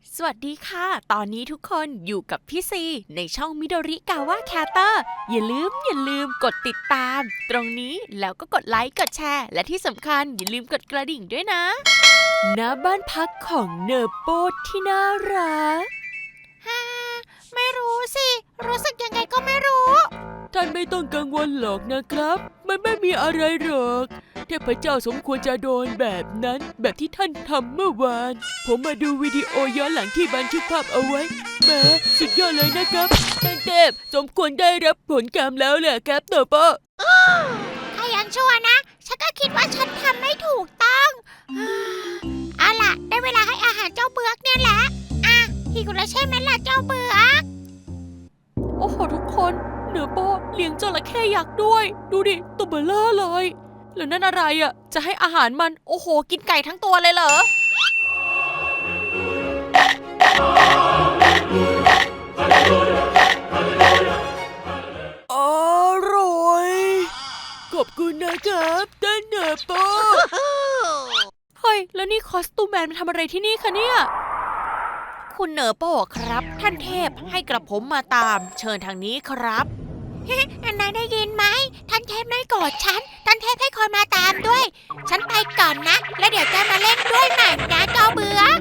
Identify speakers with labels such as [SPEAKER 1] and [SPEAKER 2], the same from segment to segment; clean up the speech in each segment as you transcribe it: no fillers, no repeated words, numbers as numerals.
[SPEAKER 1] สวัสดีค่ะ ตอนนี้ทุกคนอยู่กับพี่ซีในช่องมิโดริกาวะแคเตอร์อย่าลืมกดติดตามตรงนี้แล้วก็กดไลค์กดแชร์และที่สำคัญอย่าลืมกดกระดิ่งด้วยนะณบ้านพักของเนอร์โปที่น่ารักไม่รู้สิ รู้สึกยังไงก็ไม่รู้ท่านไม่ต้องกังวลหรอกนะครับมันไม่มีอะไรหรอกเทพเจ้าสมควรจะโดนแบบนั้นแบบที่ท่านทำเมื่อวานผมมาดูวิดีโอย้อนหลังที่บันทึกภาพเอาไว้แหมสุดยอดเลยนะครับท่านเทพสมควรได้รับผลกรรมแล้วแหละครับเนอร์โปถ้ายังชั่วนะฉันก็คิดว่าฉันทำไม่ถูกต้องเอาล่ะได้เวลาให้อาหารเจ้าเบือกเนี่ยแหละหิวแล้วใช่ไหมล่ะเจ้าเบือกโอ้โหทุกคนเนอร์โปเลี้ยงจระเข้ยักษ์ด้วยดูดิตัวเบลอเลยแล้วนั่นอะไรอ่ะจะให้อาหารมันโอ้โหกินไก่ทั้งตัวเลยเหรออร่อยขอบคุณนะครับท่านเนอร์โปเฮ้ยแล้วนี่คอสตูมแมนมาทำอะไรที่นี่คะเนี่ยคุณเนอร์โปครับท่านเทพให้กระผมมาตามเชิญทางนี้ครับนายได้ยินไหมท่านเทพไม่โกรธฉันท่านเทพให้คนมาตามด้วยฉันไปก่อนนะแล้วเดี๋ยวจะมาเล่นด้วยใหม่นะเจ้าเบือก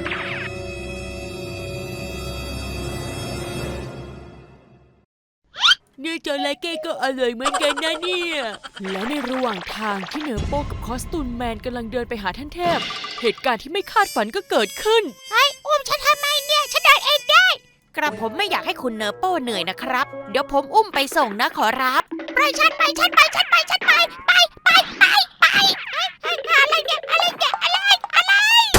[SPEAKER 1] เนื้อจระเข้ก็อร่อยเหมือนกันนะเนี่ยแล้วในระหว่างทางที่เนอร์โปกับคอสตูมแมนกำลังเดินไปหาท่านเทพเหตุการณ์ที่ไม่คาดฝันก็เกิดขึ้นเฮ้ยอุ้มฉันทำไมเนี่ยฉันเดินเองได้กระผมไม่อยากให้คุณเนอร์โปเหนื่อยนะครับเดี๋ยวผมอุ้มไปส่งนะขอรับไปฉันไปอะไรเนี่ยอะไร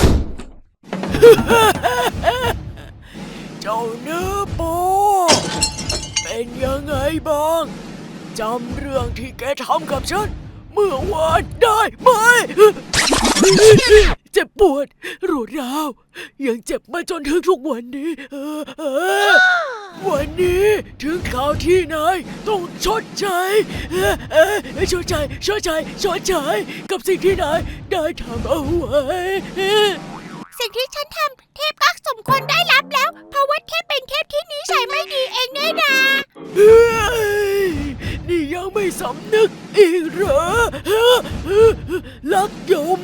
[SPEAKER 1] เจ้าเนอร์โปเป็นยังไงบ้างจำเรื่องที่แกทำกับฉันเมื่อวานได้ไหมเจ็บปวดรวดร้าวยังเจ็บมาจนถึงทุกวันนี้วันนี้ถึงข่าวที่นายต้องชดใช้กับสิ่งที่นายได้ทำเอาไว้สิ่งที่ฉันทำเทพก็สมควรได้รับแล้วเพราะว่าเทพเป็นเทพที่นิสัยไม่ดีเองด้วยนะนี่ยังไม่สำนึกอีกเหรอลักยม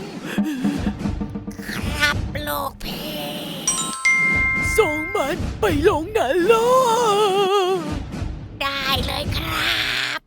[SPEAKER 1] ครับลูกพี่ส่งมันไปลงนรกได้เลยครับ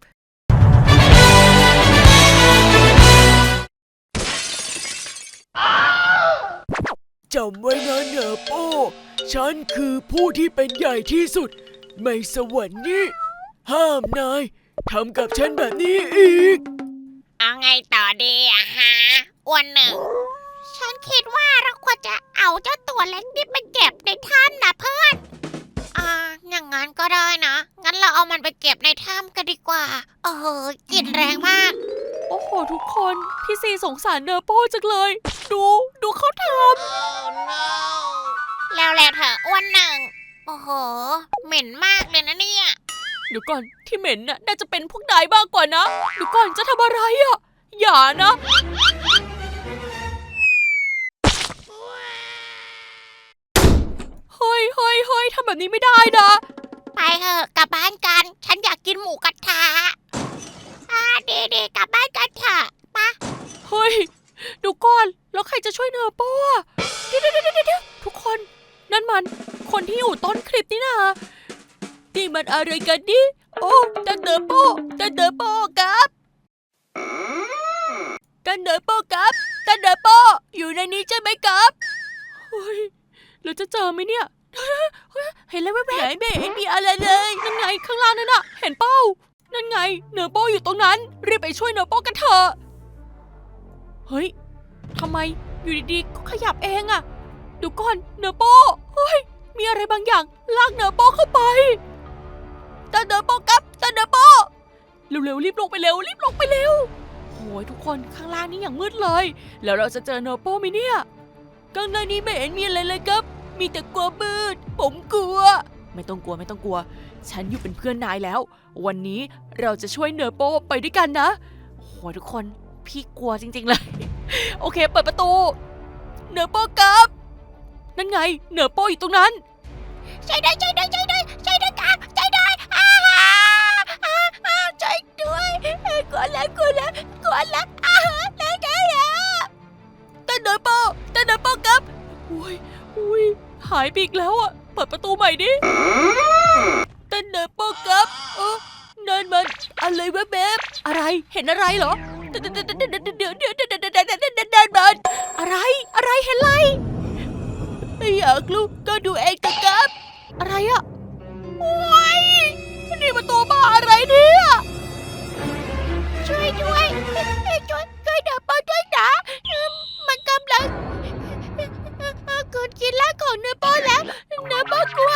[SPEAKER 1] จำไว้นะเนอร์โปฉันคือผู้ที่เป็นใหญ่ที่สุดในสวรรค์นี้ห้ามนายทำกับฉันแบบนี้อีกเอาไงต่อดีอะฮะอ้วนหนึ่งฉันคิดว่าเราควรจะเอาเจ้าตัวเล็กนี่ไปเก็บในถ้ำนะเพื่อนอย่างงั้นก็ได้นะงั้นเราเอามันไปเก็บในถ้ำกันดีกว่ากลิ่นแรงมากโอ้โหทุกคนพี่ซีสงสารเนอร์โปจังเลยดูเขาทำแล้วแหละเถอะอ้วนหนึ่งโอ้โหเหม็นมากเลยนะเนี่ยเดี๋ยวก่อนที่เหม็นน่ะน่าจะเป็นพวกนายบ้างกว่านะเดี๋ยวก่อนจะทำอะไรอ่ะอย่านะเฮ้ยทำแบบนี้ไม่ได้นะไปเถอะกลับบ้านกันฉันอยากกินหมูกระทะดีกลับบ้านกันเถอะปะเฮ้ยดูก่อนแล้วใครจะช่วยเนอร์โป้อะเดี๋ยวทุกคนนั่นมันคนที่อยู่ต้นคลิปนี่นะนี่มันอะไรกันดิโอ้ท่านเนอร์โป้ครับท่านเนอร์โป้อยู่ในนี้ใช่ไหมครับเฮ้ยเราจะเจอไหมเนี่ยเห็นแล้วแว๊บไหนไม่เห็นมีอะไรเลยนั่นไงข้างล่างนั่นน่ะเห็นเป้านั่นไงเนอร์โป้อยู่ตรงนั้นรีบไปช่วยเนอร์โป้กันเถอะเฮ้ยทำไมอยู่ดีๆก็ขยับเองอะดูก่อนเนอร์โป้เฮ้ยมีอะไรบางอย่างลากเนอร์โป้เข้าไปตาเนอร์โป้ครับตาเนอร์โป้เร็วๆรีบลงไปเร็วโอ้ยทุกคนข้างล่างนี่อย่างมืดเลยแล้วเราจะเจอเนอร์โป้ไหมเนี่ยข้างในนี้ไม่เห็นมีอะไรเลยครับมีแต่กลัวมืดผมกลัวไม่ต้องกลัวฉันอยู่เป็นเพื่อนนายแล้ววันนี้เราจะช่วยเนอร์โป้ไปด้วยกันนะโอ้โหทุกคนพี่กลัวจริงๆเลยโอเคเปิดประตูเนอร์โป้ครับนั่นไงเหนือโป้อยู่ตรงนั้นช่วยด้วยช่วยด้วยช่วยด้วยช่วยด้วยครับช่วยด้วยช่วยด้วยกลัวแล้วกลัวแล้วกลัวแล้วแล้วท่านเหนือโป้ครับอุ้ยหายไปอีกแล้วอ่ะเปิดประตูใหม่ดิท่านเหนือโป้ครับนั่นมันอะไรแวบๆอะไรเห็นอะไรเหรอเดี๋ยวนั่นมันอะไรเห็นอะไรไม่อยากรู้ก็ดูเองครับอะไรอ่ะโอ้ยนี่มันตัวบ้าอะไรเนี่ยช่วยด้วยช่วยเดี๋ยวป้าด้วยนะมันกำลังกินร่างของเนื้อป้าแล้วเนื้อป้ากลัว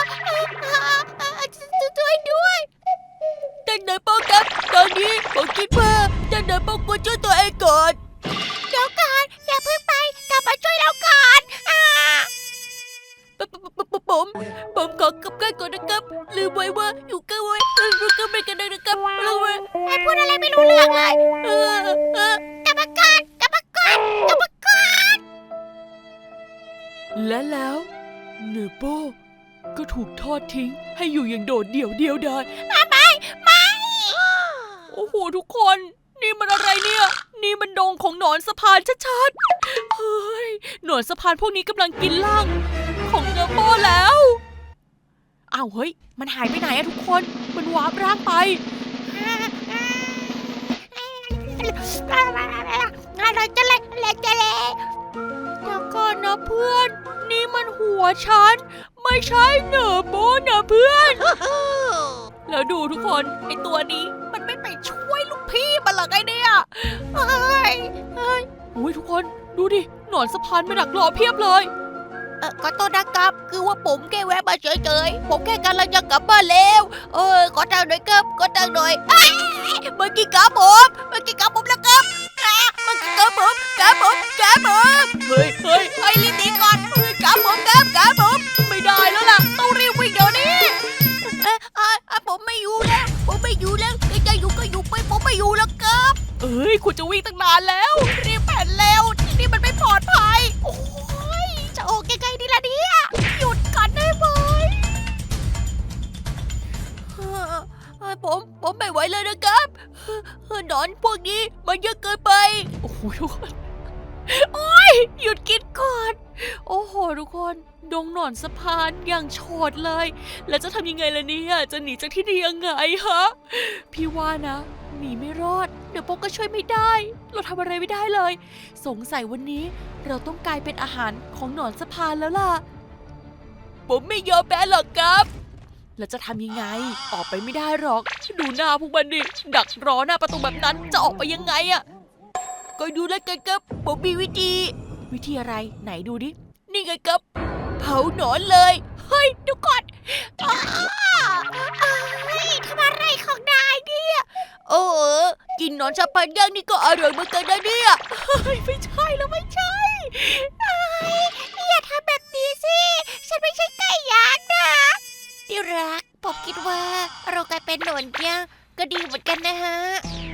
[SPEAKER 1] ช่วยด้วยแต่เนื้อป้าครับตอนนี้ผมคิดว่าแต่เนื้อป้ากลัวช่วยตัวเองก่อนเดี๋ยวก่อนอย่าเพิ่งไปกลับมาช่วยเราก่อนผมขอกลับกันก่อนนะครับลืมไว้ว่าอยู่กันไว้ก็ไม่กันนะครับเราให้พูดอะไรไม่รู้เรื่องเลยกลับมาก่อนและแล้วเนโป้ก็ถูกทอดทิ้งให้อยู่อย่างโดดเดี่ยวดายไม่โอ้โหทุกคนนี่มันอะไรเนี่ยนี่มันดงของหนอนสะพานชัดๆเฮ้ยหนอนสะพานพวกนี้กำลังกินร่างของเนโป้แล้วอ้าวเฮ้ยมันหายไปไหนอะทุกคนมันวาร์ปร่างไปอะไรจะเละเดี๋ยวก่อนนะเพื่อนนี่มันหัวฉันไม่ใช่เนโป้นะเพื่อนแล้วดูทุกคนไอตัวนี้มันไม่ไปช่วยลูกพี่มันหรอไงเนี่ยเฮ้ยอุ้ยทุกคนดูดิหนอนสะพานมาดักรอเพียบเลยขอโทษนะครับคือว่าผมแค่แวะมาเฉยๆผมแค่กำลังจะกลับบ้านแล้วขอทางหน่อยครับขอทางหน่อยเมื่อกี้กับผมแล้วครับเมื่อกี้กับผมเฮ้ยรีบหนีก่อนกับผมไม่ได้แล้วล่ะต้องรีบวิ่งเดี๋ยวนี้ผมไม่อยู่แล้วจะอยู่ก็อยู่ไปผมไม่อยู่แล้วครับคุณจะวิ่งตั้งนานแล้วรีบแผ่นแล้วที่นี่มันไม่ปลอดภัยโอ้ยจะออกยังไงดีล่ะเนี่ยหยุดก่อนได้ไหมผมไม่ไหวเลยนะครับหนอนพวกนี้มันเยอะเกินไปโอ้โหทุกคนโอ้ยหยุดกินก่อนโอ้โหทุกคนดงหนอนสะพานอย่างโฉดเลยแล้วจะทำยังไงล่ะเนี่ยจะหนีจากที่นี่ยังไงฮะพี่ว่านะหนีไม่รอดเดี๋ยวโป๊กก็ช่วยไม่ได้เราทำอะไรไม่ได้เลยสงสัยวันนี้เราต้องกลายเป็นอาหารของหนอนสะพานแล้วล่ะผมไม่ยอมแพ้หรอกครับแล้วจะทำยังไงออกไปไม่ได้หรอกดูหน้าพวกมันดิดักรอหน้าประตูแบบนั้นจะออกไปยังไงอะก็ดูแล้วกันครับผมมีวิธีอะไรไหนดูดินี่ไงครับเผาหนอนเลยเฮ้ยดูก่อนทำอะไรของนายเนี่ยกินหนอนสะพานย่างนี่ก็อร่อยเหมือนกันนะเนี่ยไม่ใช่แล้วไม่ใช่อย่าทำแบบนี้สิฉันไม่ใช่ไก่ย่างนะที่รักผมคิดว่าเรากลายเป็นหนอนย่างก็ดีเหมือนกันนะฮะ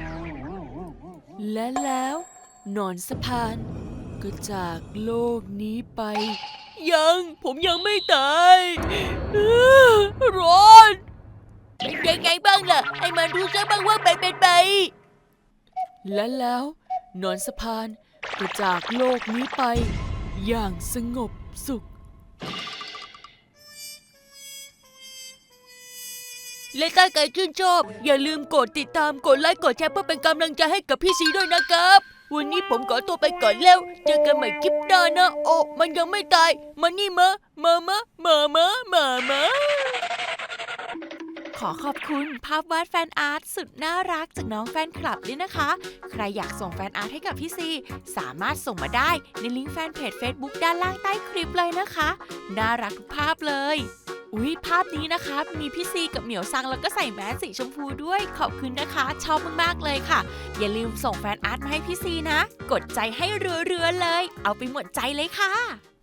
[SPEAKER 1] และแล้วหนอนสะพานก็จากโลกนี้ไปผมยังไม่ตายร้อนเป็นยังไงบ้างล่ะให้มันรู้ซะบ้างว่าเป็นไปและแล้วหนอนสะพานก็จากโลกนี้ไปอย่างสงบสุขและถ้าใครชื่นชอบอย่าลืมกดติดตามกดไลค์กดแชร์เพื่อเป็นกำลังใจให้กับพี่ซีด้วยนะครับวันนี้ผมขอตัวไปก่อนแล้วเจอกันใหม่คลิปหน้านะโอ้มันยังไม่ตายมานี่มาขอขอบคุณภาพวาดแฟนอาร์ตสุดน่ารักจากน้องแฟนคลับด้วยนะคะใครอยากส่งแฟนอาร์ตให้กับพี่ซีสามารถส่งมาได้ในลิงก์แฟนเพจ Facebook ด้านล่างใต้คลิปเลยนะคะน่ารักทุกภาพเลยภาพนี้นะคะมีพี่ซีกับเหมียวซังแล้วก็ใส่แมสสีชมพูด้วยขอบคุณนะคะชอบมากๆเลยค่ะอย่าลืมส่งแฟนอาร์ตมาให้พี่ซีนะกดใจให้เรือๆเลยเอาไปหมดใจเลยค่ะ